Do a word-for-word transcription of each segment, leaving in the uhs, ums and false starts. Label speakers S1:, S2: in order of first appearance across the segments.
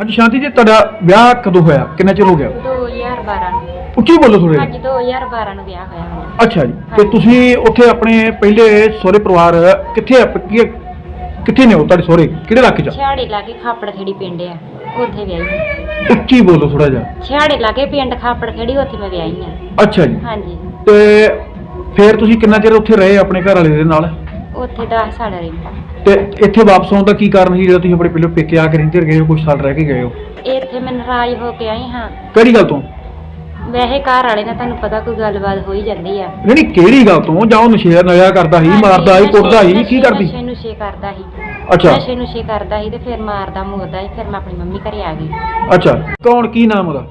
S1: ਸ਼ਾਂਤੀ ਜੀ ਤੁਹਾਡਾ ਵਿਆਹ ਕਦੋਂ ਹੋਇਆ, ਕਿੰਨਾ ਚਿਰ ਹੋ ਗਿਆ?
S2: ਦੋ ਹਜ਼ਾਰ ਬਾਰਾਂ ਨੂੰ।
S1: ਉੱਚੀ ਬੋਲੋ ਥੋੜੇ।
S2: ਹਾਂਜੀ ਦੋ ਹਜ਼ਾਰ ਬਾਰਾਂ ਨੂੰ ਵਿਆਹ ਹੋਇਆ ਮੇਰਾ।
S1: ਅੱਛਾ ਜੀ, ਤੇ ਤੁਸੀਂ ਉੱਥੇ ਆਪਣੇ ਪਹਿਲੇ ਸਹੁਰੇ ਪਰਿਵਾਰ ਕਿੱਥੇ ਆ, ਕੀ- ਕਿੱਥੇ ਨੇ ਉਹ ਤੁਹਾਡੇ ਸਹੁਰੇ, ਕਿਹੜੇ ਇਲਾਕੇ 'ਚ?
S2: ਛਿਆੜੇ ਲਾਗੇ ਖਾਪੜ ਖੇੜੀ ਪਿੰਡ ਆ, ਉੱਥੇ ਵਿਆਹੀ।
S1: ਉੱਚੀ ਬੋਲੋ ਥੋੜਾ ਜਿਹਾ।
S2: ਛਿਆੜੇ ਲਾਗੇ ਪਿੰਡ ਖਾਪੜ ਖੇੜੀ, ਉੱਥੇ ਮੈਂ ਵਿਆਹੀ ਆ।
S1: ਅੱਛਾ ਜੀ,
S2: ਹਾਂਜੀ।
S1: ਤੇ ਫਿਰ ਤੁਸੀਂ ਕਿੰਨਾ ਚਿਰ ਉੱਥੇ ਰਹੇ ਆਪਣੇ ਘਰ ਵਾਲੇ ਦੇ ਨਾਲ?
S2: ਉੱਥੇ ਦਸ ਸਾਲ ਰਹੀ।
S1: ਤੇ ਇੱਥੇ ਵਾਪਸ ਆਉਣ ਦਾ ਕੀ ਕਾਰਨ ਸੀ ਜਿਹੜਾ ਤੁਸੀਂ ਆਪਣੇ ਪਹਿਲੇ ਪੇਕੇ ਆ ਕੇ ਰਹਿੰਦੇ ਗਏ ਹੋ, ਕੁਝ ਸਾਲ ਰਹਿ ਕੇ ਗਏ ਹੋ?
S2: ਇੱਥੇ ਮੈਂ ਨਾਰਾਜ਼ ਹੋ ਕੇ ਆਈ ਹਾਂ।
S1: ਕਿਹੜੀ ਗੱਲ ਤੋਂ?
S2: ਵੈਸੇ ਘਰ ਵਾਲੇ ਨਾਲ ਤੁਹਾਨੂੰ ਪਤਾ ਕੋਈ ਗੱਲਬਾਤ ਹੋ ਹੀ ਜਾਂਦੀ ਆ।
S1: ਨਹੀਂ ਕਿਹੜੀ ਗੱਲ ਤੋਂ? ਜਾਂ ਉਹ ਨਸ਼ੇ ਨਸ਼ਾ ਕਰਦਾ ਸੀ, ਮਾਰਦਾ ਸੀ, ਕੁੱਟਦਾ ਸੀ, ਕੀ ਕਰਦੀ?
S2: ਨਸ਼ੇ ਨੁਸ਼ੇ ਕਰਦਾ ਸੀ।
S1: ਅੱਛਾ।
S2: ਨਸ਼ੇ ਨੁਸ਼ੇ ਕਰਦਾ ਸੀ ਤੇ ਫਿਰ ਮਾਰਦਾ ਮੁਰਦਾ ਸੀ। ਫਿਰ ਮੈਂ ਆਪਣੀ ਮੰਮੀ ਘਰੇ ਆ ਗਈ।
S1: ਅੱਛਾ, ਕੌਣ, ਕੀ ਨਾਮ ਉਹਦਾ?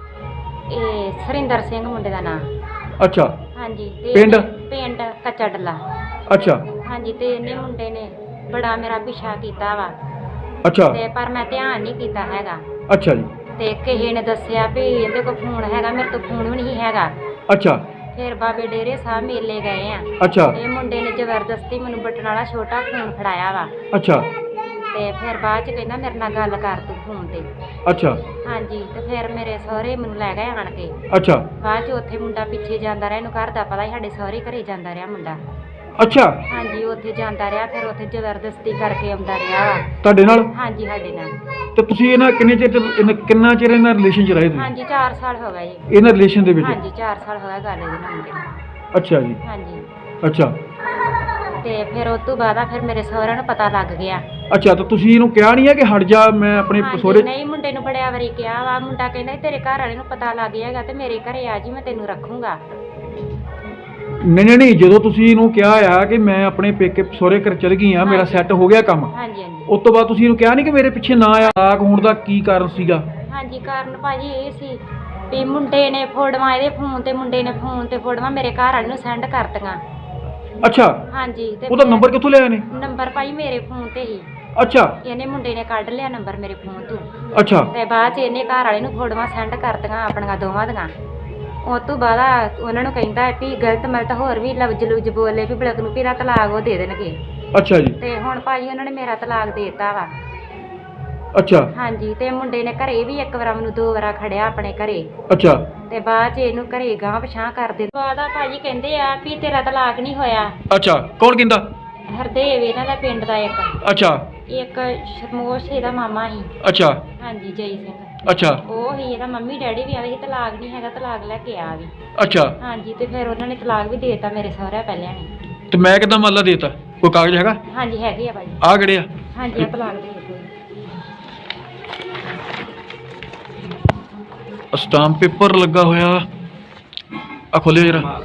S2: ਇਹ ਸਰਿੰਦਰ ਸਿੰਘ ਮੁੰਡੇ ਦਾ ਨਾਮ।
S1: ਅੱਛਾ।
S2: ਹਾਂਜੀ। ਤੇ
S1: ਪਿੰਡ?
S2: ਪਿੰਡ ਕੱਚਾ ਡੱਲਾ।
S1: ਅੱਛਾ।
S2: ਹਾਂਜੀ। ਤੇ ਇਹਨੇ ਮੁੰਡੇ ਨੇ ਬੜਾ ਮੇਰਾ ਪਿੱਛਾ ਕੀਤਾ ਵਾ।
S1: ਅੱਛਾ।
S2: ਤੇ ਪਰ ਮੈਂ ਧਿਆਨ ਨਹੀਂ ਕੀਤਾ ਹੈਗਾ।
S1: ਅੱਛਾ ਜੀ।
S2: ਤੇ ਕਿਸੇ ਨੇ ਦੱਸਿਆ ਵੀ ਇਹਦੇ ਕੋਲ ਫੋਨ ਹੈਗਾ, ਮੇਰੇ ਤੋਂ ਫੋਨ ਵੀ ਨਹੀਂ ਹੈਗਾ।
S1: ਅੱਛਾ।
S2: ਫਿਰ ਬਾਬੇ ਡੇਰੇ ਸਾਹਿਬ ਮੇਲੇ ਗਏ ਆ।
S1: ਅੱਛਾ।
S2: ਇਹ ਮੁੰਡੇ ਨੇ ਜ਼ਬਰਦਸਤੀ ਮੈਨੂੰ ਬਟਨ ਵਾਲਾ ਛੋਟਾ ਫੋਨ ਫੜਾਇਆ ਵਾ।
S1: ਅੱਛਾ।
S2: ਤੇ ਫਿਰ ਬਾਅਦ ਚ ਕਹਿੰਦਾ ਮੇਰੇ ਨਾਲ ਗੱਲ ਕਰ ਤੂੰ ਫੋਨ ਤੇ।
S1: ਅੱਛਾ।
S2: ਹਾਂਜੀ। ਤੇ ਫਿਰ ਮੇਰੇ ਸਹੁਰੇ ਮੈਨੂੰ ਲੈ ਗਏ ਆਣ ਕੇ।
S1: ਅੱਛਾ।
S2: ਬਾਅਦ ਚ ਉੱਥੇ ਮੁੰਡਾ ਪਿੱਛੇ ਜਾਂਦਾ ਰਿਹਾ, ਇਹਨੂੰ ਘਰ ਦਾ ਪਤਾ ਹੀ ਸਾਡੇ ਸਹੁਰੇ ਘਰੇ ਜਾਂਦਾ ਰਿਹਾ ਮੁੰਡਾ।
S1: ਅੱਛਾ।
S2: ਹਾਂਜੀ। ਉੱਥੇ ਜਾਂਦਾ ਰਿਹਾ, ਫਿਰ ਉੱਥੇ ਜ਼ਬਰਦਸਤੀ ਕਰਕੇ ਆਉਂਦਾ ਰਿਹਾ ਵਾ
S1: ਤੁਹਾਡੇ ਨਾਲ?
S2: ਹਾਂਜੀ ਸਾਡੇ ਨਾਲ।
S1: ਤੇ ਤੁਸੀਂ ਇਹਨਾਂ ਕਿੰਨੇ ਚਿਰ ਤੇ- ਇਹਨਾਂ- ਕਿੰਨਾ ਚਿਰ ਇਹਨਾਂ ਰਿਲੇਸ਼ਨ 'ਚ ਰਹੇ ਤੁਸੀਂ?
S2: ਹਾਂਜੀ ਚਾਰ ਸਾਲ ਹੋ ਗਏ ਜੀ।
S1: ਇਹਨਾਂ ਰਿਲੇਸ਼ਨ ਦੇ ਵਿੱਚ?
S2: ਹਾਂਜੀ ਚਾਰ ਸਾਲ ਹੋ ਗਏ ਗੱਲ ਇਹਦੇ ਨਾਲ ਮੁੰਡੇ ਨਾਲ।
S1: ਅੱਛਾ ਜੀ।
S2: ਹਾਂਜੀ।
S1: ਅੱਛਾ।
S2: ਤੇ ਫਿਰ ਉਸ ਤੋਂ ਬਾਅਦ ਆ ਫਿਰ ਮੇਰੇ ਸਹੁਰਿਆਂ ਨੂੰ ਪਤਾ ਲੱਗ ਗਿਆ।
S1: ਅੱਛਾ, ਤਾਂ ਤੁਸੀਂ ਇਹਨੂੰ ਕਿਹਾ ਨਹੀਂ ਹੈ ਕਿ ਹਟ ਜਾ, ਮੈਂ ਆਪਣੇ
S2: ਹਾਂਜੀ,
S1: ਸਹੁਰੇ?
S2: ਨਹੀਂ ਮੁੰਡੇ ਨੂੰ ਬੜਿਆ ਵਾਰੀ ਕਿਹਾ ਵਾ। ਮੁੰਡਾ ਕਹਿੰਦਾ ਸੀ, ਤੇਰੇ ਘਰ ਵਾਲੇ ਨੂੰ ਪਤਾ ਲੱਗ ਜਾਏਗਾ ਤੇ ਮੇਰੇ ਘਰੇ ਆ ਜੀ, ਮੈਂ ਤੈਨੂੰ ਰੱਖੂੰਗਾ।
S1: ਨਹੀਂ ਨਹੀਂ ਨਹੀਂ, ਜਦੋਂ ਤੁਸੀਂ ਇਹਨੂੰ ਕਿਹਾ ਆ ਕਿ ਮੈਂ ਆਪਣੇ ਪੇਕੇ ਸਹੁਰੇ ਘਰ ਚਲ ਗਈ ਆ, ਮੇਰਾ
S2: ਹਾਂਜੀ।
S1: ਸੈੱਟ ਹੋ ਗਿਆ ਕੰਮ,
S2: ਹਾਂਜੀ ਹਾਂਜੀ।
S1: ਉਸ ਤੋਂ ਬਾਅਦ ਤੁਸੀਂ ਇਹਨੂੰ ਕਿਹਾ ਨਹੀਂ ਕਿ ਮੇਰੇ ਪਿੱਛੇ ਨਾ ਆ? ਤਲਾਕ ਹੋਣ ਦਾ ਕੀ ਕਾਰਨ ਸੀਗਾ?
S2: ਹਾਂਜੀ ਕਾਰਨ ਭਾਜੀ ਇਹ ਸੀ ਵੀ ਮੁੰਡੇ ਨੇ ਫੋਟੋਆਂ ਇਹਦੇ ਫੋਨ ਤੇ, ਮੁੰਡੇ ਨੇ ਫੋਨ ਤੇ ਫੋਟੋਆਂ ਮੇਰੇ ਘਰ ਵਾਲੇ ਨੂੰ ਸੈਂਡ ਕਰਤੀਆਂ।
S1: ਅੱਛਾ।
S2: ਹਾਂਜੀ। ਤੇ
S1: ਉਹਦਾ ਨੰਬਰ ਕਿੱਥੋਂ ਲਿਆ ਇਹਨੇ?
S2: ਨੰਬਰ ਭਾਈ ਮੇਰੇ ਫੋਨ ਤੇ ਹੀ।
S1: ਅੱਛਾ।
S2: ਇਹਨੇ ਮੁੰਡੇ ਨੇ ਕੱਢ ਲਿਆ ਨੰਬਰ ਮੇਰੇ ਫੋਨ ਤੋਂ।
S1: ਅੱਛਾ।
S2: ਤੇ ਬਾਅਦ ਚ ਇਹਨੇ ਘਰ ਵਾਲੇ ਨੂੰ ਫੋਟੋਆਂ ਸੈਂਡ ਕਰਤੀਆਂ ਆਪਣੀਆਂ ਦੋਵਾਂ ਦੀਆਂ। ਉਸ ਤੋਂ ਬਾਅਦ ਉਹਨਾਂ ਨੂੰ ਕਹਿੰਦਾ ਵੀ ਗਲਤ ਮਲਤ ਹੋਰ ਵੀ ਲਫ਼ਜ਼ ਲੁਫਜ਼ ਬੋਲੇ ਵੀ ਬਲਕ ਨੂੰ ਵੀ ਇਹਦਾ ਤਲਾਕ ਉਹ ਦੇ ਦੇਣਗੇ।
S1: ਅੱਛਾ ਜੀ।
S2: ਤੇ ਹੁਣ ਭਾਜੀ ਉਹਨਾਂ ਨੇ ਮੇਰਾ ਤਲਾਕ ਦੇ ਦਿੱਤਾ ਵਾ।
S1: ਅੱਛਾ।
S2: ਹਾਂਜੀ। ਤੇ ਮੁੰਡੇ ਨੇ ਘਰੇ ਵੀ ਇੱਕ ਵਾਰ ਮੈਨੂੰ ਦੋ ਵਾਰਾ ਖੜਿਆ ਆਪਣੇ ਘਰੇ।
S1: ਅੱਛਾ।
S2: ਤੇ ਬਾਅਦ ਚ ਇਹਨੂੰ ਘਰੇ ਗਾਂਹ ਪਛਾਂ ਕਰ ਦਿੰਦੇ। ਬਾਅਦ ਆ ਭਾਜੀ ਕਹਿੰਦੇ ਆ ਵੀ ਤੇਰਾ ਤਲਾਕ ਨਹੀਂ ਹੋਇਆ।
S1: ਅੱਛਾ, ਕੌਣ ਕਹਿੰਦਾ?
S2: ਹਰਦੇਵ ਇਹਨਾਂ ਦਾ ਪਿੰਡ ਦਾ ਇੱਕ।
S1: ਅੱਛਾ।
S2: ਇੱਕ ਸ਼ਰਮੋਸ਼ ਇਹਦਾ ਮਾਮਾ ਸੀ।
S1: ਅੱਛਾ।
S2: ਹਾਂਜੀ ਜੈ ਸਿੰਘ।
S1: ਅੱਛਾ।
S2: ਉਹ ਹੀ ਇਹਦਾ ਮੰਮੀ ਡੈਡੀ ਵੀ ਆਵੇ ਸੀ, ਤਲਾਕ ਨਹੀਂ ਹੈਗਾ, ਤਲਾਕ ਲੈ ਕੇ ਆ ਵੀ।
S1: ਅੱਛਾ।
S2: ਹਾਂਜੀ। ਤੇ ਫਿਰ ਉਹਨਾਂ ਨੇ ਤਲਾਕ ਵੀ ਦੇ ਦਿੱਤਾ ਮੇਰੇ ਸਹੁਰਿਆਂ ਪਹਿਲਿਆਂ ਨੇ।
S1: ਤੇ ਮੈਂ ਕਿੱਦਾਂ ਮੰਨ ਲਾ ਦੇਤਾ? ਕੋਈ ਕਾਗਜ਼ ਹੈਗਾ?
S2: ਹਾਂਜੀ ਹੈਗੇ ਆ ਭਾਜੀ।
S1: ਆ ਕਿਹੜੇ ਆ?
S2: ਹਾਂਜੀ ਆ ਤਲਾਕ ਦੇ ਦਿੱਤੇ।
S1: ਸਟਾਂਪ ਪੇਪਰ ਲੱਗਾ ਹੋਇਆ, ਆ ਖੋਲਿਓ ਜਰਾ।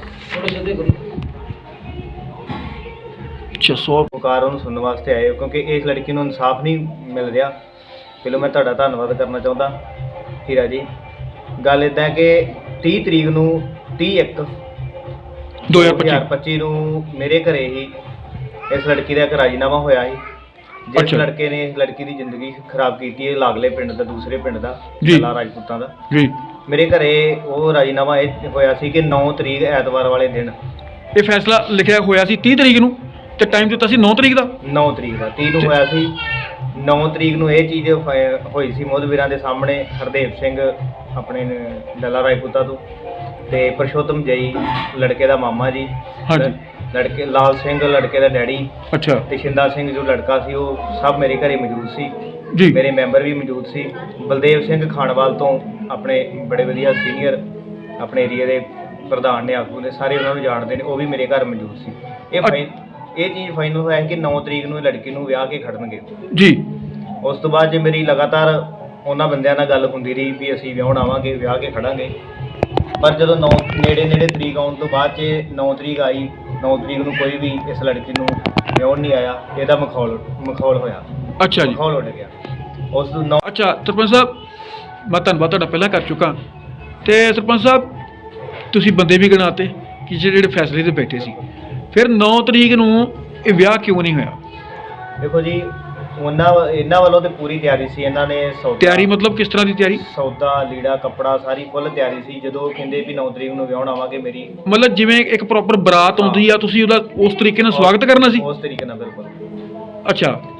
S1: ਅੱਛਾ। ਸੌ
S3: ਪੁਕਾਰ ਉਹਨੂੰ ਸੁਣਨ ਵਾਸਤੇ ਆਏ ਹੋ ਕਿਉਂਕਿ ਇਸ ਲੜਕੀ ਨੂੰ ਇਨਸਾਫ ਨਹੀਂ ਮਿਲ ਰਿਹਾ। ਪਹਿਲਾਂ ਮੈਂ ਤੁਹਾਡਾ ਧੰਨਵਾਦ ਕਰਨਾ ਚਾਹੁੰਦਾ ਹੀਰਾ ਜੀ। ਗੱਲ ਇੱਦਾਂ ਹੈ ਕਿ ਤੀਹ ਤਰੀਕ ਨੂੰ ਤੀਹ ਇੱਕ
S1: ਦੋ ਹਜ਼ਾਰ
S3: ਪੱਚੀ ਨੂੰ ਮੇਰੇ ਘਰੇ ਹੀ ਇਸ ਲੜਕੀ ਦਾ ਇੱਕ ਰਾਜੀਨਾਮਾ ਹੋਇਆ ਸੀ, ਜਿਸ
S1: ਅੱਛਾ।
S3: ਲੜਕੇ ਨੇ ਇਸ ਲੜਕੀ ਦੀ ਜ਼ਿੰਦਗੀ ਖਰਾਬ ਕੀਤੀ ਹੈ, ਲਾਗਲੇ ਪਿੰਡ ਦਾ, ਦੂਸਰੇ ਪਿੰਡ ਦਾ,
S1: ਜੀ।
S3: ਲਾ ਰਾਜਪੂਤਾਂ ਦਾ।
S1: ਜੀ।
S3: ਮੇਰੇ ਘਰੇ ਉਹ ਰਾਜੀਨਾਮਾ ਇਹ ਹੋਇਆ ਸੀ ਕਿ ਨੌ ਤਰੀਕ ਐਤਵਾਰ ਵਾਲੇ ਦਿਨ
S1: ਇਹ ਫੈਸਲਾ ਲਿਖਿਆ ਹੋਇਆ ਸੀ ਤੀਹ ਤਰੀਕ ਨੂੰ, ਤੇ ਟਾਈਮ ਦਿੱਤਾ ਸੀ ਨੌ ਤਰੀਕ ਦਾ।
S3: ਨੌ ਤਰੀਕ ਦਾ ਤੀਹ ਨੂੰ ਹੋਇਆ ਸੀ। ਨੌ ਤਰੀਕ ਨੂੰ ਇਹ ਚੀਜ਼ ਹੋਇ- ਹੋਈ ਸੀ ਮੋਦਵੀਰਾਂ ਦੇ ਸਾਹਮਣੇ। ਹਰਦੇਵ ਸਿੰਘ ਆਪਣੇ ਨੇ ਡੱਲਾ ਰਾਜਪੂਤਾ ਤੋਂ, ਤੇ ਪਰਸ਼ੋਤਮ ਜਈ ਲੜਕੇ ਦਾ ਮਾਮਾ ਜੀ,
S1: ਹਾਂਜੀ।
S3: ਲੜਕੇ ਲਾਲ ਸਿੰਘ ਲੜਕੇ ਦਾ ਡੈਡੀ,
S1: ਅੱਛਾ
S3: ਤੇ ਸ਼ਿੰਦਾ ਸਿੰਘ ਜੋ ਲੜਕਾ ਸੀ, ਉਹ ਸਭ ਮੇਰੇ ਘਰੇ ਮੌਜੂਦ ਸੀ।
S1: ਜੀ।
S3: ਮੇਰੇ ਮੈਂਬਰ ਵੀ ਮੌਜੂਦ ਸੀ। ਬਲਦੇਵ ਸਿੰਘ ਖਾਨਵਾਲ ਤੋਂ ਆਪਣੇ ਬੜੇ ਵਧੀਆ ਸੀਨੀਅਰ ਆਪਣੇ ਏਰੀਆ ਦੇ ਪ੍ਰਧਾਨ ਨੇ, ਆਗੂ ਨੇ, ਸਾਰੇ ਉਹਨਾਂ ਨੂੰ ਜਾਣਦੇ ਨੇ, ਉਹ ਵੀ ਮੇਰੇ ਘਰ ਮੌਜੂਦ ਸੀ। ਇਹ ਫਾਈਨ ਇਹ ਚੀਜ਼ ਫਾਈਨਲ ਹੋਇਆ ਕਿ ਨੌ ਤਰੀਕ ਨੂੰ ਇਹ ਲੜਕੀ ਨੂੰ ਵਿਆਹ ਕੇ ਖੜਨਗੇ।
S1: ਜੀ।
S3: ਉਸ ਤੋਂ ਬਾਅਦ ਜੇ ਮੇਰੀ ਲਗਾਤਾਰ ਉਹਨਾਂ ਬੰਦਿਆਂ ਨਾਲ ਗੱਲ ਹੁੰਦੀ ਰਹੀ ਵੀ ਅਸੀਂ ਵਿਆਹਣ ਆਵਾਂਗੇ, ਵਿਆਹ ਕੇ ਖੜਾਂਗੇ, ਪਰ ਜਦੋਂ ਨੌ ਨੇੜੇ ਨੇੜੇ ਤਰੀਕ ਆਉਣ ਤੋਂ ਬਾਅਦ 'ਚ ਨੌ ਤਰੀਕ ਆਈ, ਨੌ ਤਰੀਕ ਨੂੰ ਕੋਈ ਵੀ ਇਸ ਲੜਕੀ ਨੂੰ ਵਿਆਹਣ ਨਹੀਂ ਆਇਆ। ਇਹਦਾ ਮਖੌਲ ਮਖੌਲ ਹੋਇਆ।
S1: ਅੱਛਾ ਜੀ।
S3: ਮਖੌਲ ਉੱਡ ਗਿਆ ਉਸ ਤੋਂ ਨੌ।
S1: ਅੱਛਾ ਸਰਪੰਚ ਸਾਹਿਬ, ਮੈਂ ਧੰਨਵਾਦ ਤੁਹਾਡਾ ਪਹਿਲਾਂ ਕਰ ਚੁੱਕਾ। ਤੇ ਸਰਪੰਚ ਸਾਹਿਬ, ਤੁਸੀਂ ਬੰਦੇ ਵੀ ਗਿਣਾਤੇ ਕਿ ਜਿਹੜੇ ਜਿਹੜੇ ਫੈਸਲੇ ਤੇ ਬੈਠੇ ਸੀ, ਫਿਰ ਨੌ ਤਰੀਕ ਨੂੰ ਇਹ ਵਿਆਹ ਕਿਉਂ ਨਹੀਂ ਹੋਇਆ?
S3: ਦੇਖੋ ਜੀ, ਉਹਨਾਂ ਇਹਨਾਂ ਵੱਲੋਂ ਤੇ ਪੂਰੀ ਤਿਆਰੀ ਸੀ। ਇਹਨਾਂ ਨੇ ਸੌਦਾ,
S1: ਤਿਆਰੀ ਮਤਲਬ ਕਿਸ ਤਰ੍ਹਾਂ ਦੀ ਤਿਆਰੀ?
S3: ਸੌਦਾ ਲੀੜਾ ਕੱਪੜਾ ਸਾਰੀ ਫੁੱਲ ਤਿਆਰੀ ਸੀ। ਜਦੋਂ ਕਹਿੰਦੇ ਵੀ ਨੌ ਤਰੀਕ ਨੂੰ ਵਿਆਹਣ ਆਵਾਂਗੇ, ਮੇਰੀ
S1: ਮਤਲਬ ਜਿਵੇਂ ਇੱਕ ਪ੍ਰੋਪਰ ਬਰਾਤ ਆਉਂਦੀ ਆ, ਤੁਸੀਂ ਉਹਦਾ ਉਸ ਤਰੀਕੇ ਨਾਲ ਸਵਾਗਤ ਕਰਨਾ ਸੀ?
S3: ਉਸ ਤਰੀਕੇ ਨਾਲ ਬਿਲਕੁਲ।
S1: ਅੱਛਾ।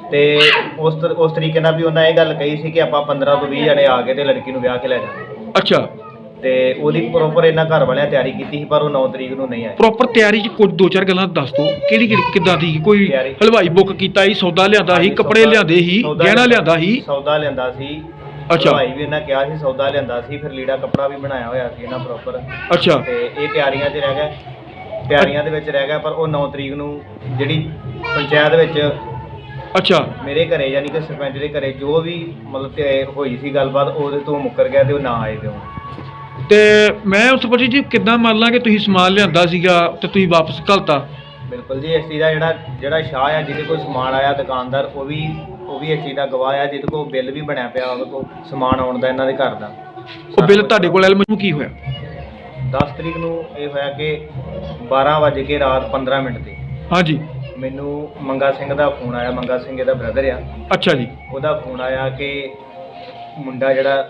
S3: ਤੇ ਉਸ ਤਰ- ਉਸ ਤਰੀਕੇ ਨਾਲ ਵੀ ਉਹਨਾਂ ਇਹ ਗੱਲ ਕਹੀ ਸੀ ਕਿ ਆਪਾਂ ਪੰਦਰਾਂ ਤੋਂ ਵੀਹ ਜਣੇ ਆ ਕੇ ਤੇ ਲੜਕੀ ਨੂੰ ਵਿਆਹ ਕੇ ਲੈ ਜਾਵਾਂਗੇ।
S1: ਅੱਛਾ,
S3: ਤੇ ਉਹਦੀ ਪ੍ਰੋਪਰ ਇਹਨਾਂ ਘਰ ਵਾਲਿਆਂ ਤਿਆਰੀ ਕੀਤੀ ਸੀ, ਪਰ ਉਹ ਨੌ ਤਰੀਕ ਨੂੰ ਨਹੀਂ ਆਏ।
S1: ਪ੍ਰੋਪਰ ਤਿਆਰੀ 'ਚ ਕੁਝ ਦੋ ਚਾਰ ਗੱਲਾਂ ਦੱਸ ਦਿਓ, ਕਿਹੜੀ ਕਿਹੜੀ ਕਿੱਦਾਂ ਦੀ? ਕੋਈ
S3: ਤਿਆਰੀ।
S1: ਹਲਵਾਈ ਬੁੱਕ ਕੀਤਾ ਸੀ, ਸੌਦਾ ਲਿਆਂਦਾ ਸੀ,
S3: ਹਾਂਜੀ,
S1: ਕੱਪੜੇ
S3: ਸੌਦਾ-
S1: ਲਿਆਂਦੇ ਸੀ,
S3: ਸੌਦਾ
S1: ਗਹਿਣਾ ਲਿਆਂਦਾ ਸੀ?
S3: ਸੌਦਾ ਲਿਆਂਦਾ ਸੀ।
S1: ਅੱਛਾ।
S3: ਭਾਈ ਵੀ ਇਹਨਾਂ ਕਿਹਾ ਸੀ ਸੌਦਾ ਲਿਆਂਦਾ ਸੀ, ਫਿਰ ਲੀੜਾ ਕੱਪੜਾ ਵੀ ਬਣਾਇਆ ਹੋਇਆ ਸੀ ਇਹਨਾਂ ਪ੍ਰੋਪਰ।
S1: ਅੱਛਾ,
S3: ਤੇ ਇਹ ਤਿਆਰੀਆਂ 'ਚ ਰਹਿ ਗਿਆ, ਤਿਆਰੀਆਂ ਦੇ ਵਿੱਚ ਰਹਿ ਗਿਆ, ਪਰ ਉਹ ਨੌ ਤਰੀਕ ਨੂੰ ਜਿਹੜੀ ਪੰਚਾਇਤ ਵਿੱਚ
S1: ਅੱਛਾ,
S3: ਮੇਰੇ ਘਰੇ ਯਾਨੀ ਕਿ ਸਰਪੰਚ ਦੇ ਘਰੇ ਜੋ ਵੀ ਮਤਲਬ ਤੇ ਹੋਈ ਸੀ ਗੱਲਬਾਤ, ਉਹਦੇ ਤੋਂ ਮੁੱਕਰ ਗਿਆ ਤੇ ਉਹ ਨਾ ਆਏ ਤੇ ਉਹ।
S1: ਤੇ ਮੈਂ ਉਸ ਪੁੱਛੀ ਜੀ ਕਿੱਦਾਂ ਮੰਨ ਲਾਂ ਕਿ ਤੁਸੀਂ ਸਮਾਨ ਲਿਆਂਦਾ ਸੀਗਾ ਤੇ ਤੁਸੀਂ ਵਾਪਸ ਘੱਲਤਾ?
S3: ਬਿਲਕੁਲ ਜੀ, ਇਸ ਚੀਜ਼ ਦਾ ਜਿਹੜਾ ਜਿਹੜਾ ਸ਼ਾਹ ਆ ਜਿਹਦੇ ਕੋਲ ਸਮਾਨ ਆਇਆ ਦੁਕਾਨਦਾਰ, ਉਹ ਵੀ ਉਹ ਵੀ ਇਸ ਚੀਜ਼ ਦਾ ਗਵਾਹ ਆ, ਜਿਹਦੇ ਕੋਲ ਬਿੱਲ ਵੀ ਬਣਿਆ ਪਿਆ ਉਹਦੇ ਕੋਲ ਸਮਾਨ ਆਉਣ ਦਾ ਇਹਨਾਂ ਦੇ ਘਰ ਦਾ।
S1: ਉਹ ਬਿੱਲ ਤੁਹਾਡੇ ਕੋਲ ਐਲਮ ਕੀ ਹੋਇਆ?
S3: ਦਸ ਤਰੀਕ ਨੂੰ ਇਹ ਹੋਇਆ ਕਿ ਬਾਰਾਂ ਵੱਜ ਕੇ ਰਾਤ ਪੰਦਰਾਂ ਮਿੰਟ ਤੇ
S1: ਹਾਂਜੀ,
S3: ਮੈਨੂੰ ਮੰਗਾ ਸਿੰਘ ਦਾ ਫੋਨ ਆਇਆ। ਮੰਗਾ ਸਿੰਘ ਇਹਦਾ ਬ੍ਰਦਰ ਆ।
S1: ਅੱਛਾ ਜੀ,
S3: ਉਹਦਾ ਫੋਨ ਆਇਆ ਕਿ ਮੁੰਡਾ ਜਿਹੜਾ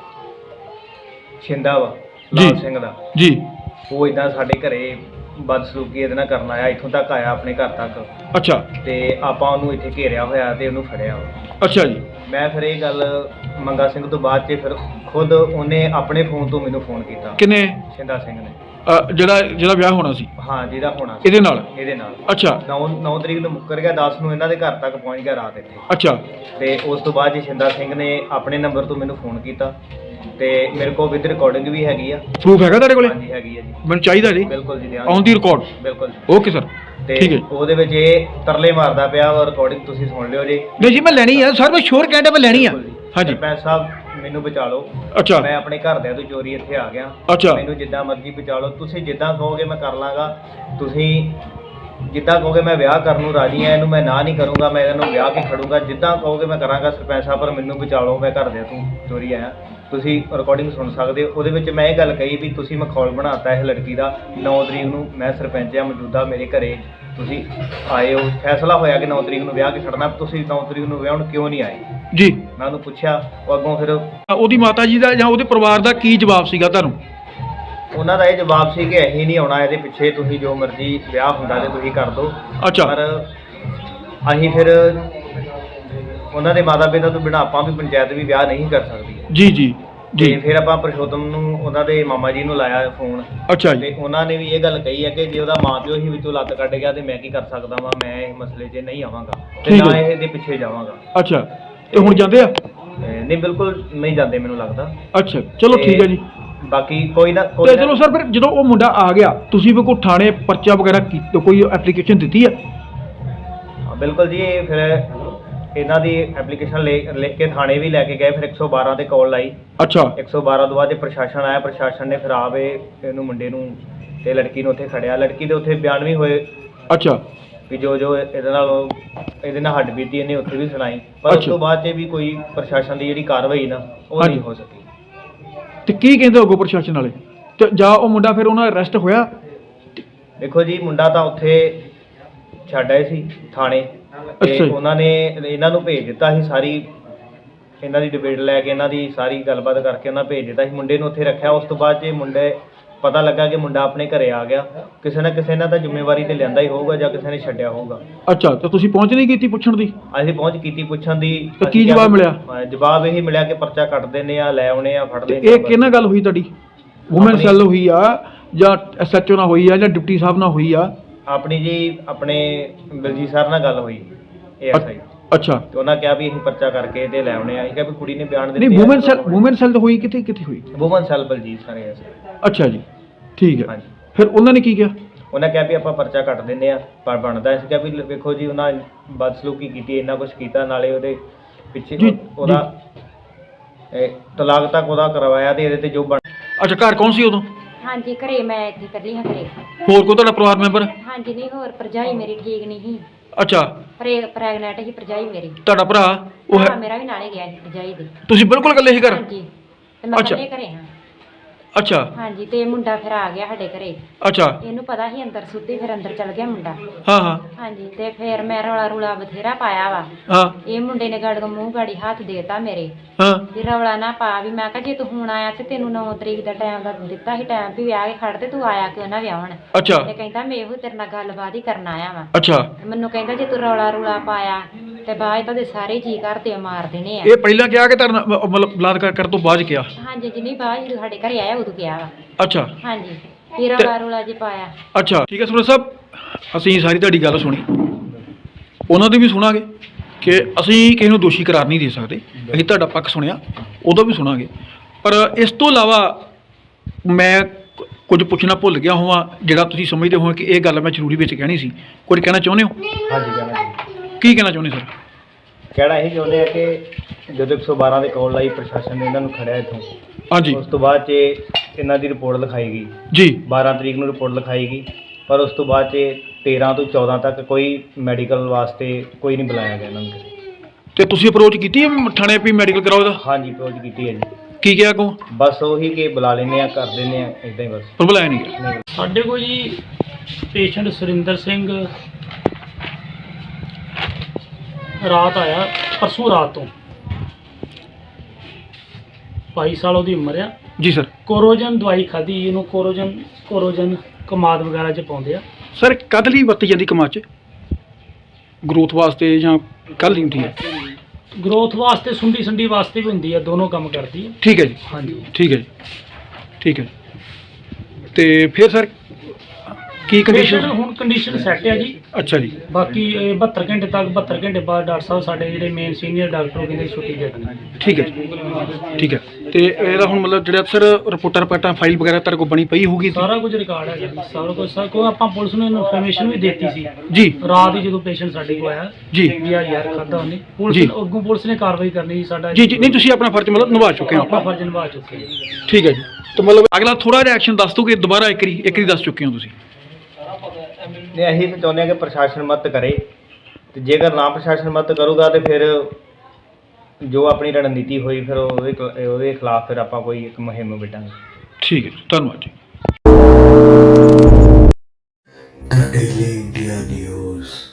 S3: ਛਿੰਦਾ ਵਾ ਲਾਲ
S1: ਜੀ।
S3: ਸਿੰਘ ਦਾ,
S1: ਜੀ,
S3: ਉਹ ਇਦਾਂ ਸਾਡੇ ਘਰੇ ਬਦਸਲੂਕੀ ਇਹਦੇ ਨਾਲ ਕਰਨ ਆਇਆ, ਇੱਥੋਂ ਤੱਕ ਆਇਆ ਆਪਣੇ ਘਰ ਤੱਕ।
S1: ਅੱਛਾ,
S3: ਤੇ ਆਪਾਂ ਉਹਨੂੰ ਇੱਥੇ ਘੇਰਿਆ ਹੋਇਆ ਤੇ ਉਹਨੂੰ ਫੜਿਆ।
S1: ਅੱਛਾ ਜੀ,
S3: ਮੈਂ ਫਿਰ ਇਹ ਗੱਲ ਮੰਗਾ ਸਿੰਘ ਤੋਂ ਬਾਅਦ 'ਚ ਫਿਰ ਖੁਦ ਉਹਨੇ ਆਪਣੇ ਫੋਨ ਤੋਂ ਮੈਨੂੰ ਫੋਨ ਕੀਤਾ,
S1: ਕਿੰਨੇ?
S3: ਛਿੰਦਾ ਸਿੰਘ ਨੇ।
S1: ਅ, ਜਿਹੜਾ ਜਿਹੜਾ ਵਿਆਹ ਹੋਣਾ ਸੀ
S3: ਹਾਂ, ਜਿਹਦਾ ਹੋਣਾ ਸੀ
S1: ਇਹਦੇ ਨਾਲ?
S3: ਇਹਦੇ ਨਾਲ।
S1: ਅੱਛਾ,
S3: ਨੌ ਨੌ ਤਰੀਕ ਨੂੰ ਮੁੱਕਰ ਗਿਆ, ਦਸ ਨੂੰ ਇਹਨਾਂ ਦੇ ਘਰ ਤੱਕ ਪਹੁੰਚ ਗਿਆ ਰਾਤ ਇੱਥੇ।
S1: ਅੱਛਾ,
S3: ਤੇ ਉਸ ਤੋਂ ਬਾਅਦ ਜੀ ਛਿੰਦਾ ਸਿੰਘ ਨੇ ਆਪਣੇ ਨੰਬਰ ਤੋਂ ਮੈਨੂੰ ਫੋਨ ਕੀਤਾ ਤੇ ਮੇਰੇ ਕੋਲ ਵਿਦ ਰਿਕਾਰਡਿੰਗ ਵੀ ਹੈਗੀ ਆ।
S1: ਪ੍ਰੂਫ ਹੈਗਾ ਤੁਹਾਡੇ ਕੋਲੇ?
S3: ਹਾਂਜੀ ਹੈਗੀ ਆ ਜੀ।
S1: ਮੈਨੂੰ ਚਾਹੀਦਾ ਜੀ,
S3: ਬਿਲਕੁਲ ਜੀ, ਦਿਆਂਗੇ।
S1: On the record.
S3: ਬਿਲਕੁਲ ਜੀ।
S1: ਓਕੇ ਸਰ,
S3: ਤੇ
S1: ਠੀਕ ਹੈ।
S3: ਉਹਦੇ ਵਿੱਚ ਇਹ ਤਰਲੇ ਮਾਰਦਾ ਪਿਆ ਔਰ ਰਿਕਾਰਡਿੰਗ ਤੁਸੀਂ ਸੁਣ ਲਿਓ ਜੀ।
S1: ਨਹੀਂ ਜੀ, ਮੈਂ ਲੈਣੀ ਆ ਸਰ, ਮੈਂ ਸ਼ੋਰ ਕਹਿੰਦਾ ਮੈਂ ਲੈਣੀ ਆ।
S3: ਬਿਲਕੁਲ ਜੀ।
S1: ਹਾਂਜੀ,
S3: ਸਰਪੰਚ ਸਾਹਿਬ ਮੈਨੂੰ ਬਚਾ ਲਓ।
S1: ਅੱਛਾ,
S3: ਮੈਂ ਆਪਣੇ ਘਰਦਿਆਂ ਤੋਂ ਚੋਰੀ ਇੱਥੇ ਆ ਗਿਆ।
S1: ਅੱਛਾ,
S3: ਮੈਨੂੰ ਜਿੱਦਾਂ ਮਰਜ਼ੀ ਬਚਾ ਲਓ, ਤੁਸੀਂ ਜਿੱਦਾਂ ਕਹੋਗੇ ਮੈਂ ਕਰ ਲਾਂਗਾ। ਤੁਸੀਂ ਜਿੱਦਾਂ ਕਹੋਗੇ ਮੈਂ ਵਿਆਹ ਕਰਨ ਨੂੰ ਰਾਜੀ ਆ, ਇਹਨੂੰ ਮੈਂ ਨਾ ਨਹੀਂ ਕਰੂੰਗਾ, ਮੈਂ ਇਹਨੂੰ ਵਿਆਹ ਕੇ ਖੜੂੰਗਾ। ਜਿੱਦਾਂ ਕਹੋਗੇ ਮੈਂ ਕਰਾਂਗਾ ਸਰਪੰਚ ਸਾਹਿਬ, ਪਰ ਮੈਨੂੰ ਬਚਾ ਲਓ, ਮੈਂ ਘਰਦਿਆਂ ਤੋਂ ਚੋਰੀ ਆਇਆ। ਤੁਸੀਂ ਰਿਕਾਰਡਿੰਗ ਸੁਣ ਸਕਦੇ ਹੋ। ਉਹਦੇ ਵਿੱਚ ਮੈਂ ਇਹ ਗੱਲ ਕਹੀ ਵੀ ਤੁਸੀਂ ਮਖੌਲ ਬਣਾਤਾ ਇਸ ਲੜਕੀ ਦਾ। ਨੌ ਤਰੀਕ ਨੂੰ ਮੈਂ ਸਰਪੰਚ ਆ ਮੌਜੂਦਾ, ਮੇਰੇ ਘਰੇ ਤੁਸੀਂ ਆਏ ਹੋ, ਫੈਸਲਾ ਹੋਇਆ ਕਿ ਨੌ ਤਰੀਕ ਨੂੰ ਵਿਆਹ ਕੇ ਖੜਨਾ, ਤੁਸੀਂ ਨੌ ਤਰੀਕ ਨੂੰ ਵਿਆਹਣ ਕਿਉਂ ਨਹੀਂ ਆਏ?
S1: ਜੀ।
S3: ਮੈਂ ਉਹਨੂੰ ਪੁੱਛਿਆ, ਉਹ ਅੱਗੋਂ ਫਿਰ
S1: ਉਹਦੀ ਮਾਤਾ ਜੀ ਦਾ ਜਾਂ ਉਹਦੇ ਪਰਿਵਾਰ ਦਾ ਕੀ ਜਵਾਬ ਸੀਗਾ ਤੁਹਾਨੂੰ?
S3: ਉਹਨਾਂ ਦਾ ਇਹ ਜਵਾਬ ਸੀ ਕਿ ਅਸੀਂ ਨਹੀਂ ਆਉਣਾ, ਇਹਦੇ ਪਿੱਛੇ ਤੁਸੀਂ ਜੋ ਮਰਜ਼ੀ ਵਿਆਹ ਹੁੰਦਾ ਤੇ ਤੁਸੀਂ ਕਰ ਦਿਓ।
S1: ਅੱਛਾ,
S3: ਪਰ ਅਸੀਂ ਫਿਰ ਉਹਨਾਂ ਦੇ ਮਾਤਾ ਪਿਤਾ ਤੋਂ ਬਿਨਾਂ ਆਪਾਂ ਵੀ ਪੰਚਾਇਤ ਵੀ ਵਿਆਹ ਨਹੀਂ ਕਰ ਸਕਦੀ।
S1: ਜੀ ਜੀ
S3: ਤੇ
S1: ਜੀ,
S3: ਫਿਰ ਆਪਾਂ ਪ੍ਰਸ਼ੋਤਮ ਨੂੰ ਉਹਨਾਂ ਦੇ ਮਾਮਾ ਜੀ ਨੂੰ ਲਾਇਆ ਫੋਨ,
S1: ਅੱਛਾ ਜੀ,
S3: ਤੇ ਉਹਨਾਂ ਨੇ ਵੀ ਇਹ ਗੱਲ ਕਹੀ ਹੈ ਕਿ ਜੇ ਉਹਦਾ ਮਾਂ ਪਿਓ ਹੀ ਵਿੱਚੋਂ ਲੱਤ ਕੱਢ ਗਿਆ ਤੇ ਮੈਂ ਕੀ ਕਰ ਸਕਦਾ ਵਾਂ, ਮੈਂ ਇਸ ਮਸਲੇ 'ਚ ਨਹੀਂ ਆਵਾਂਗਾ ਤੇ
S1: ਠੀਕ
S3: ਨਾ
S1: ਹੈ।
S3: ਇਹਦੇ ਪਿੱਛੇ ਜਾਵਾਂਗਾ।
S1: ਅੱਛਾ, ਤੇ ਹੁਣ ਜਾਂਦੇ ਆ?
S3: ਤੇ ਨਹੀਂ, ਬਿਲਕੁਲ ਨਹੀਂ ਜਾਂਦੇ ਮੈਨੂੰ ਲੱਗਦਾ।
S1: ਅੱਛਾ, ਚਲੋ
S3: ਤੇ
S1: ਠੀਕ ਹੈ ਜੀ।
S3: ਬਾਕੀ ਕੋਈ ਨਾ
S1: ਤੇ
S3: ਕੋਈ ਨਾ-
S1: ਚਲੋ ਸਰ, ਫਿਰ ਜਦੋਂ ਉਹ ਮੁੰਡਾ ਆ ਗਿਆ, ਤੁਸੀਂ ਵੀ ਕੋਈ ਥਾਣੇ ਪਰਚਾ ਵਗੈਰਾ ਕੀਤਾ, ਕੋਈ ਐਪਲੀਕੇਸ਼ਨ ਦਿੱਤੀ ਹੈ?
S3: ਹਾਂ, ਬਿਲਕੁਲ ਜੀ। ਇਹ ਫਿਰ ਇਹਨਾਂ ਦੀ ਐਪਲੀਕੇਸ਼ਨ ਲਿਖ ਕੇ ਥਾਣੇ ਵੀ ਲੈ ਕੇ ਗਏ। ਫਿਰ ਇੱਕ ਸੌ ਬਾਰਾਂ ਤੇ ਕਾਲ ਲਾਈ।
S1: ਅੱਛਾ,
S3: ਇੱਕ ਸੌ ਬਾਰਾਂ ਤੋਂ ਬਾਅਦ ਜੇ ਪ੍ਰਸ਼ਾਸਨ ਆਇਆ, ਪ੍ਰਸ਼ਾਸਨ ਨੇ ਫਿਰ ਆਵੇ ਇਹਨੂੰ ਮੁੰਡੇ ਨੂੰ ਤੇ ਲੜਕੀ ਨੂੰ ਉੱਥੇ ਖੜਿਆ। ਲੜਕੀ ਦੇ ਉੱਥੇ ਬਿਆਨ ਵੀ ਹੋਏ
S1: ਅੱਛਾ,
S3: ਵੀ ਜੋ ਜੋ ਇਹਦੇ ਨਾਲ ਇਹਦੇ ਨਾਲ ਹੱਡ ਬੀਤੀ ਇਹਨੇ ਉੱਥੇ ਵੀ ਸੁਣਾਈ, ਪਰ ਉਸ
S1: ਅੱਛਾ।
S3: ਤੋਂ ਬਾਅਦ 'ਚ ਵੀ ਕੋਈ ਪ੍ਰਸ਼ਾਸਨ ਦੀ ਜਿਹੜੀ ਕਾਰਵਾਈ ਨਾ ਉਹ
S1: ਹਾਂਜੀ।
S3: ਨਹੀਂ ਹੋ ਸਕੀ।
S1: ਤੇ ਕੀ ਕਹਿੰਦੇ ਅੱਗੋਂ ਪ੍ਰਸ਼ਾਸਨ ਵਾਲੇ? ਤੇ ਜਾਂ ਉਹ ਮੁੰਡਾ ਫਿਰ ਉਹਨਾਂ ਦਾ ਅਰੈਸਟ ਹੋਇਆ?
S3: ਦੇਖੋ ਜੀ, ਮੁੰਡਾ ਤਾਂ ਉੱਥੇ ਛੱਡ ਆਏ ਸੀ ਥਾਣੇ, ਤੇ
S1: ਅੱਛਾ ਜੀ।
S3: ਉਹਨਾਂ ਨੇ ਇਹਨਾਂ ਨੂੰ ਭੇਜ ਦਿੱਤਾ ਸੀ। ਸਾਰੀ ਇਹਨਾਂ ਦੀ ਡਿਬੇਟ ਲੈ ਕੇ, ਇਹਨਾਂ ਦੀ ਸਾਰੀ ਗੱਲਬਾਤ ਕਰਕੇ ਉਹਨਾਂ ਭੇਜ ਦਿੱਤਾ ਸੀ। ਮੁੰਡੇ ਨੂੰ ਉੱਥੇ ਰੱਖਿਆ। ਉਸ ਤੋਂ ਬਾਅਦ 'ਚ ਮੁੰਡੇ ਪਤਾ ਲੱਗਾ ਕਿ ਮੁੰਡਾ ਆਪਣੇ ਘਰੇ ਆ ਗਿਆ। ਕਿਸੇ ਨਾ ਕਿਸੇ ਨੇ ਤਾਂ ਜ਼ਿੰਮੇਵਾਰੀ ਤੇ ਲਿਆਂਦਾ ਹੀ ਹੋਊਗਾ ਜਾਂ ਕਿਸੇ ਨੇ ਛੱਡਿਆ ਹੋਊਗਾ।
S1: ਅੱਛਾ, ਤੇ ਤੁਸੀਂ ਪਹੁੰਚ ਨਹੀਂ ਕੀਤੀ ਪੁੱਛਣ ਦੀ?
S3: ਅਸੀਂ ਪਹੁੰਚ ਕੀਤੀ ਪੁੱਛਣ ਦੀ।
S1: ਤੇ ਕੀ ਜਵਾਬ ਮਿਲਿਆ?
S3: ਅਹ ਜਵਾਬ ਇਹੀ ਮਿਲਿਆ ਕਿ ਪਰਚਾ ਕੱਟ ਦਿੰਦੇ ਆ, ਲੈ ਆਉਣੇ ਆ, ਫੜ
S1: ਤੇ
S3: ਲੈਂਦੇ
S1: ਇਹ ਕਿਹਨਾਂ ਗੱਲ ਹੋਈ ਤੁਹਾਡੀ? ਵੂਮਨ
S3: ਆਪਣੀ-
S1: ਸੈੱਲ ਹੋਈ ਆ ਜਾਂ ਐਸਐਚਓ ਨਾਲ ਹੋਈ ਆ ਜਾਂ ਡਿਪਟੀ ਸਾਹਿਬ ਨਾਲ ਹੋਈ ਆ?
S3: ਆਪਣੀ ਜੀ ਆਪਣੇ ਬਲਜੀਤ ਸਰ ਨਾਲ ਗੱਲ ਹੋਈ ਏਐਸਆਈ,
S1: ਅੱਛਾ,
S3: ਤੇ ਉਹਨਾਂ ਕਿਹਾ ਵੀ ਅਸੀਂ ਪਰਚਾ ਕਰਕੇ ਤੇ ਲੈ ਆਉਣੇ ਆ। ਅਸੀਂ ਕਿਹਾ ਵੀ ਕੁੜੀ ਨੇ ਬਿਆਨ
S1: ਨਹੀਂ,
S3: ਦਿੱਤੇ
S1: ਵੂਮਨ ਸੈੱਲ ਵੂਮਨ ਸੈੱਲ ਹੋਈ ਕਿੱਥੇ ਕਿੱਥੇ ਹੋਈ?
S3: Woman cell Baljit sir ASI.
S1: ਅੱਛਾ ਜੀ, ਠੀਕ ਹੈ।
S3: ਹਾਂਜੀ।
S1: ਫਿਰ ਉਹਨਾਂ ਨੇ ਕੀ ਕਿਹਾ?
S3: ਉਹਨਾਂ ਕਿਹਾ ਵੀ ਆਪਾਂ ਪਰਚਾ ਕੱਟ ਦਿੰਦੇ ਆ, ਪਰ ਬਣਦਾ। ਅਸੀਂ ਕਿਹਾ ਵੀ ਵੇਖੋ ਜੀ, ਉਹਨਾਂ ਬਦਸਲੂਕੀ ਕੀਤੀ, ਇੰਨਾ ਕੁਝ ਕੀਤਾ, ਨਾਲੇ ਉਹਦੇ ਪਿੱਛੇ
S1: ਜੀ,
S3: ਉਹਦਾ ਇਹ ਤਲਾਕ ਤੱਕ ਉਹਦਾ ਕਰਵਾਇਆ, ਤੇ ਇਹਦੇ ਤੇ ਜੋ ਬਣ
S1: ਅੱਛਾ, ਘਰ ਕੌਣ ਸੀ ਉਦੋਂ?
S2: ਹਾਂਜੀ, ਘਰੇ ਮੈਂ ਇੱਥੇ ਇਕੱਲੀ ਹਾਂ ਘਰੇ।
S1: ਹੋਰ ਕੋਈ ਤੁਹਾਡਾ ਪਰਿਵਾਰ ਮੈਂਬਰ?
S2: ਹਾਂਜੀ, ਨਹੀਂ, ਹੋਰ ਭਰਜਾਈ ਮੇਰੀ ਠੀਕ ਨਹੀਂ ਸੀ,
S1: ਅੱਛਾ,
S2: ਪ੍ਰੈ ਪ੍ਰੈਗਨੈਂਟ ਸੀ ਭਰਜਾਈ ਮੇਰੀ।
S1: ਤੁਹਾਡਾ ਭਰਾ ਉਹ
S2: ਭਰਾ
S1: ਹੈ?
S2: ਮੇਰਾ ਵੀ ਨਾਲੇ ਗਿਆ ਸੀ ਭਰਜਾਈ ਦੇ।
S1: ਤੁਸੀਂ ਬਿਲਕੁਲ ਇਕੱਲੇ ਸੀ ਘਰ?
S2: ਹਾਂਜੀ, ਤੇ ਮੈਂ
S1: ਅੱਛਾ।
S2: ਇਕੱਲੇ ਘਰੇ ਹਾਂ।
S1: ਅੱਛਾ,
S2: ਹਾਂਜੀ, ਤੇ ਮੁੰਡਾ ਫਿਰ ਆ ਗਿਆ ਸਾਡੇ ਘਰੇ।
S1: ਅੱਛਾ,
S2: ਇਹਨੂੰ ਪਤਾ ਸੀ ਅੰਦਰ ਸੁੱਤੀ, ਫਿਰ ਅੰਦਰ ਚਲ ਗਿਆ ਮੁੰਡਾ।
S1: ਹਾਂ ਹਾਂ
S2: ਹਾਂਜੀ, ਤੇ ਫਿਰ ਮੈਂ ਰੌਲਾ ਰੂਲਾ ਬਥੇਰਾ ਪਾਇਆ ਵਾ।
S1: ਹਾਂ
S2: ਇਹ ਮੁੰਡੇ ਨੇ ਗਾੜੀ ਮੂੰਹ ਗਾੜੀ ਹੱਥ ਦੇਤਾ ਮੇਰੇ,
S1: ਹਾਂ,
S2: ਵੀ ਰੌਲਾ ਨਾ ਪਾ। ਵੀ ਮੈਂ ਕਿਹਾ ਜੇ ਤੂੰ ਹੁਣ ਆਇਆ ਤੇ ਤੈਨੂੰ ਨੌ ਤਰੀਕ ਦਾ ਟਾਈਮ ਦਾ ਦਿੱਤਾ ਸੀ, ਟਾਈਮ ਵੀ ਵਿਆਹ ਕੇ ਖੜ, ਤੇ ਤੂੰ ਆਇਆ ਕਿਉਂ ਨਾ ਵਿਆਹਣ?
S1: ਅੱਛਾ,
S2: ਤੇ ਕਹਿੰਦਾ ਮੈਂ ਇਹੋ ਤੇਰੇ ਨਾਲ ਗੱਲਬਾਤ ਹੀ ਕਰਨ ਆਇਆ ਵਾ।
S1: ਅੱਛਾ,
S2: ਮੈਨੂੰ ਕਹਿੰਦਾ ਜੇ ਤੂੰ ਰੌਲਾ ਰੂਲਾ ਪਾਇਆ ਤੇ ਬਾਅਦ ਤਾਂ ਦੇ ਸਾਰੇ ਜੀ ਘਰ ਤੇ ਮਾਰ ਦੇਣੇ ਆ।
S1: ਇਹ ਪਹਿਲਾਂ ਕਿਹਾ ਕਿ ਤੁਹਾਡਾ ਮ- ਮਤਲਬ ਬਲਾਤਕਾਰ ਕਰਨ ਤੋਂ ਬਾਅਦ 'ਚ ਕਿਹਾ?
S2: ਹਾਂਜੀ ਜਿੰਨੀ ਬਾਅਦ ਜਦੋਂ ਸਾਡੇ ਘਰੇ ਆਇਆ ਉਦੋਂ ਗਿਆ ਵਾ।
S1: ਅੱਛਾ
S2: ਹਾਂਜੀ ਫਿਰ
S1: ਤੇ-
S2: ਰੌਲਾ ਰੌਲਾ ਜੇ ਪਾਇਆ।
S1: ਅੱਛਾ ਠੀਕ ਹੈ ਸਰਪੰਚ ਸਾਹਿਬ, ਅਸੀਂ ਸਾਰੀ ਤੁਹਾਡੀ ਗੱਲ ਸੁਣੀ, ਉਹਨਾਂ ਦੀ ਵੀ ਸੁਣਾਂਗੇ ਕਿ ਅਸੀਂ ਕਿਸੇ ਨੂੰ ਦੋਸ਼ੀ ਕਰਾਰ ਨਹੀਂ ਦੇ ਸਕਦੇ। ਅਸੀਂ ਤੁਹਾਡਾ ਪੱਖ ਸੁਣਿਆ, ਉਹਦਾ ਵੀ ਸੁਣਾਂਗੇ। ਪਰ ਇਸ ਤੋਂ ਇਲਾਵਾ ਮੈਂ ਕੁ- ਕੁਝ ਪੁੱਛਣਾ ਭੁੱਲ ਗਿਆ ਹੋਵਾਂ ਜਿਹੜਾ ਤੁਸੀਂ ਸਮਝਦੇ ਹੋ ਕਿ ਇਹ ਗੱਲ ਮੈਂ ਜ਼ਰੂਰੀ ਵਿੱਚ ਕਹਿਣੀ ਸੀ। ਕੁਝ ਕਹਿਣਾ ਚਾਹੁੰਦੇ ਹੋ?
S3: ਹਾਂਜੀ ਕਹਿਣਾ ਜੀ।
S1: ਕੀ ਕਹਿਣਾ ਚਾਹੁੰਦੇ ਸਰ?
S3: ਕਹਿਣਾ ਇਹ ਚਾਹੁੰਦੇ ਆ ਕਿ ਜਦੋਂ ਇੱਕ ਸੌ ਬਾਰਾਂ ਦੇ ਕਾਲ ਲਾਈ ਪ੍ਰਸ਼ਾਸਨ ਨੇ ਇਹਨਾਂ ਨੂੰ ਖੜਿਆ ਇੱਥੋਂ,
S1: ਹਾਂਜੀ
S3: ਉਸ ਤੋਂ ਬਾਅਦ 'ਚ ਇਹਨਾਂ ਦੀ ਰਿਪੋਰਟ ਲਿਖਾਈ ਗਈ।
S1: ਜੀ
S3: ਬਾਰਾਂ ਤਰੀਕ ਨੂੰ ਰਿਪੋਰਟ ਲਿਖਾਈ ਗਈ, ਪਰ ਉਸ ਤੋਂ ਬਾਅਦ 'ਚ ਤੇਰਾਂ ਤੋਂ ਚੌਦਾਂ ਤੱਕ ਕੋਈ ਮੈਡੀਕਲ ਵਾਸਤੇ ਕੋਈ ਨਹੀਂ ਬੁਲਾਇਆ ਗਿਆ ਇਹਨਾਂ ਨੂੰ।
S1: ਤੇ ਤੁਸੀਂ ਅਪਰੋਚ ਕੀਤੀ ਹੈ ਥਾਣੇ ਵੀ ਮੈਡੀਕਲ ਕਰਾਓ ਇਹਦਾ?
S3: ਹਾਂਜੀ ਅਪਰੋਚ ਕੀਤੀ ਹੈ ਜੀ।
S1: ਕੀ ਕਿਹਾ ਕੋ?
S3: ਬਸ ਉਹੀ ਕਿ ਬੁਲਾ ਲੈਂਦੇ ਆ, ਕਰ ਦਿੰਦੇ ਆ, ਇਦਾਂ ਹੀ ਬਸ।
S1: ਪਰ ਬੁਲਾਇਆ ਨਹੀਂ ਗਿਆ।
S3: ਨਹੀਂ।
S4: ਸਾਡੇ ਕੋਲ ਜੀ ਪੇਸ਼ੈਂਟ ਸੁਰਿੰਦਰ ਸਿੰਘ ਰਾਤ ਆਇਆ, ਪਰਸੋਂ ਰਾਤ ਤੋਂ ਬਾਈ ਸਾਲ ਉਹਦੀ ਉਮਰ ਆ।
S1: ਜੀ ਸਰ।
S4: ਕੋਰੋਜਨ ਦਵਾਈ ਖਾਧੀ, ਇਹਨੂੰ ਕੋਰੋਜਨ ਕੋਰੋਜਨ ਕਮਾਦ ਵਗੈਰਾ 'ਚ ਪਾਉਂਦੇ ਆ।
S1: ਸਰ ਕਦ ਲਈ ਵਰਤੀ ਜਾਂਦੀ ਕਮਾਦ 'ਚ? ਗਰੋਥ ਵਾਸਤੇ ਜਾਂ ਕੱਲ੍ਹ ਲਈ ਹੁੰਦੀ ਹੈ?
S4: ਗਰੋਥ ਵਾਸਤੇ, ਸੁੰਡੀ ਸੰਡੀ ਵਾਸਤੇ ਵੀ ਹੁੰਦੀ ਆ, ਦੋਨੋਂ ਕੰਮ ਕਰਦੀ ਆ।
S1: ਠੀਕ ਹੈ ਜੀ,
S4: ਹਾਂਜੀ
S1: ਠੀਕ ਹੈ ਜੀ, ਠੀਕ ਹੈ। ਤੇ ਫਿਰ ਸਰ ਕੀ
S4: ਕੰਡੀਸ਼ਨ
S1: ਕੰਡੀਸ਼ਨ?
S4: ਹੁਣ ਕੰਡੀਸ਼ਨ ਸੈੱਟ ਆ ਜੀ।
S1: ਅੱਛਾ ਜੀ,
S4: ਬਾਕੀ ਇਹ ਬਹੱਤਰ ਘੰਟੇ ਤੱਕ ਬਹੱਤਰ ਘੰਟੇ ਬਾਅਦ ਡਾਕਟਰ ਸਾਹਿਬ ਸਾਡੇ ਜਿਹੜੇ ਮੇਨ ਸੀਨੀਅਰ ਡਾਕਟਰ ਉਹ ਕਹਿੰਦੇ ਛੁੱਟੀ ਦੇ ਦੇਣੀ।
S1: ਠੀਕ ਹੈ ਜੀ, ਠੀਕ ਹੈ। ਤੇ ਇਹਦਾ ਹੁਣ ਮਤਲਬ ਜਿਹੜਾ ਸਰ ਰਿਪੋਰਟਾਂ ਰਿਪੋਰਟਾਂ ਫਾਈਲ ਵਗੈਰਾ ਤੁਹਾਡੇ ਕੋਲ ਬਣੀ ਪਈ ਹੋਊਗੀ?
S4: ਸਾਰਾ ਕੁਝ ਰਿਕਾਰਡ ਹੈ ਜੀ, ਸਾਰਾ ਕੁਝ। ਸਰ ਕੋਈ ਆਪਾਂ ਪੁਲਿਸ ਨੂੰ ਇਨਫੋਰਮੇਸ਼ਨ ਵੀ ਦਿੱਤੀ ਸੀ
S1: ਜੀ
S4: ਰਾਤ ਹੀ ਜਦੋਂ ਪੇਸ਼ੈਂਟ ਸਾਡੇ ਕੋਲ ਆਇਆ
S1: ਜੀ
S4: ਵੀ ਆ ਯਾਰ ਖਾਦਾ ਉਹਨੇ।
S1: ਜੀ।
S4: ਪੁਲਿਸ ਅੱਗੋਂ ਪੁਲਿਸ ਨੇ ਕਾਰਵਾਈ ਕਰਨੀ ਸੀ ਸਾਡਾ।
S1: ਜੀ ਜੀ ਨਹੀਂ, ਤੁਸੀਂ ਆਪਣਾ ਫਰਜ਼ ਮਤਲਬ ਨਿਭਾ ਚੁੱਕੇ ਹੋ
S4: ਆਪਣਾ
S1: ਆਪਾਂ।
S4: ਫਰਜ਼ ਨਿਭਾ ਚੁੱਕੇ ਹਾਂ।
S1: ਠੀਕ ਹੈ ਜੀ। ਤੇ ਮਤਲਬ ਅਗਲਾ ਥੋੜਾ ਜਿਹਾ ਐਕਸ਼ਨ ਦੱਸ ਦੋ ਕਿ ਦੁਬਾਰਾ ਇੱਕ ਵਾਰੀ ਇੱਕ ਵਾਰੀ ਦੱਸ ਚੁੱਕੇ ਹੋ ਤੁਸੀਂ।
S3: ਨੇ ਅਸੀਂ ਤਾਂ ਚਾਹੁੰਦੇ ਹਾਂ ਕਿ ਪ੍ਰਸ਼ਾਸਨ ਮਦਦ ਕਰੇ, ਤੇ ਜੇਕਰ ਨਾ ਪ੍ਰਸ਼ਾਸਨ ਮਦਦ ਕਰੂਗਾ ਤੇ ਫਿਰ ਜੋ ਆਪਣੀ ਰਣਨੀਤੀ ਹੋਈ ਫਿਰ ਉਹਦੇ ਖਿਲਾ- ਉਹਦੇ ਖਿਲਾਫ ਫਿਰ ਆਪਾਂ ਕੋਈ ਇੱਕ ਮੁਹਿੰਮ ਵਿੱਢਾਂਗੇ।
S1: ਠੀਕ ਹੈ ਜੀ, ਧੰਨਵਾਦ ਜੀ।
S5: The Daily India News.